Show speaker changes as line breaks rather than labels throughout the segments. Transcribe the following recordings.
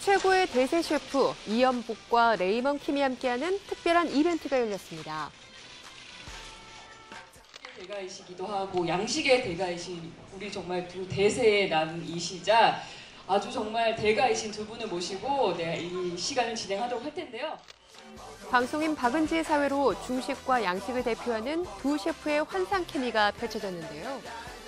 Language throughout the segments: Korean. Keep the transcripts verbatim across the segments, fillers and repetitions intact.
최고의 대세 셰프 이연복과 레이먼 킴이 함께하는 특별한 이벤트가 열렸습니다.
대가이시기도 하고 양식의 대가이신 우리 정말 두 대세의 남이시자 아주 정말 대가이신 두 분을 모시고 네, 이 시간을 진행하도록 할 텐데요.
방송인 박은지의 사회로 중식과 양식을 대표하는 두 셰프의 환상 케미가 펼쳐졌는데요.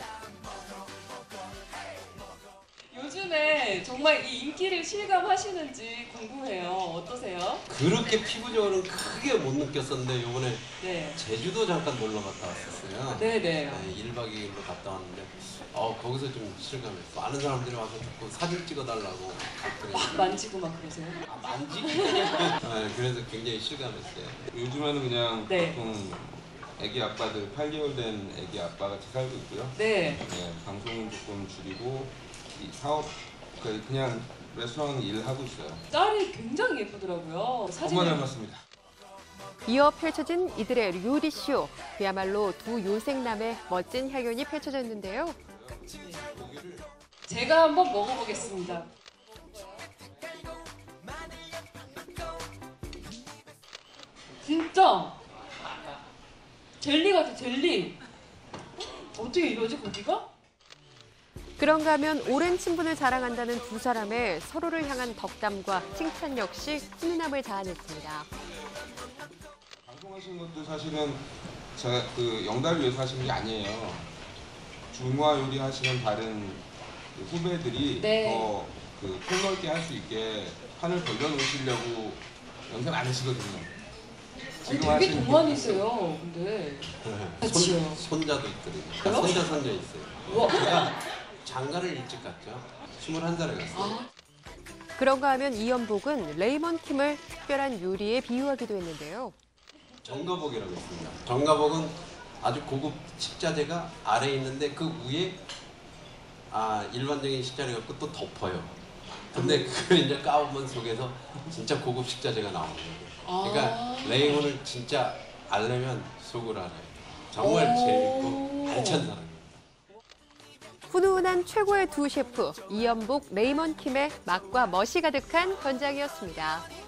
요즘에 정말 이 인기를 실감하시는지 궁금해요. 어떠세요?
그렇게 피부적으로는 크게 못 느꼈었는데 요번에
네.
제주도 잠깐 놀러 갔다 왔었어요.
네네.
네, 일 박 이 일로 갔다 왔는데 어, 거기서 좀 실감했어. 많은 사람들이 와서 자꾸 사진 찍어달라고
막 만지고 막 그러세요?
아, 만지기까지 네, 그래서 굉장히 실감했어요.
요즘에는 그냥
네.
보통 아기 아빠들 팔 개월 된 아기 아빠 같이 살고 있고요.
네.
네, 방송은 조금 줄이고 이 사업 그 그냥 레스토랑 일하고 있어요.
딸이 굉장히 예쁘더라고요. 사진을.
엄마 닮았습니다.
이어 펼쳐진 이들의 요리쇼. 그야말로 두 요생남의 멋진 향연이 펼쳐졌는데요.
제가 한번 먹어보겠습니다. 진짜 젤리 같아, 젤리. 어떻게 이러지, 고기가?
그런가 하면 오랜 친분을 자랑한다는 두 사람의 서로를 향한 덕담과 칭찬 역시 훈훈함을 자아냈습니다.
방송하시는 것도 사실은 제가 그 영달을 위해서 하시는 게 아니에요. 중화 요리 하시는 다른 그 후배들이
네.
더그 폭넓게 할 수 있게 판을 벌려놓으시려고 연습 안 하시거든요.
아니, 되게 동안이세요, 근데.
네, 손, 손자도 있거든요.
그래요?
손자 손자 있어요.
우와.
제가 장가를 일찍 갔죠. 스물한 살에 갔어요.
아.
그런가 하면 이연복은 레이먼 킴을 특별한 요리에 비유하기도 했는데요.
정가복이라고 있습니다. 정가복은 아주 고급 식자재가 아래에 있는데 그 위에 아 일반적인 식자재 갖고 또 덮어요. 근데 그걸 이제 까보면 속에서 진짜 고급 식자재가 나오는 거예요. 그러니까
아.
레이몬을 진짜 알려면 속을 알아요. 정말 재밌고 알찬 사람이에요.
훈훈한 최고의 두 셰프 이연복, 레이먼 킴의 맛과 멋이 가득한 현장이었습니다.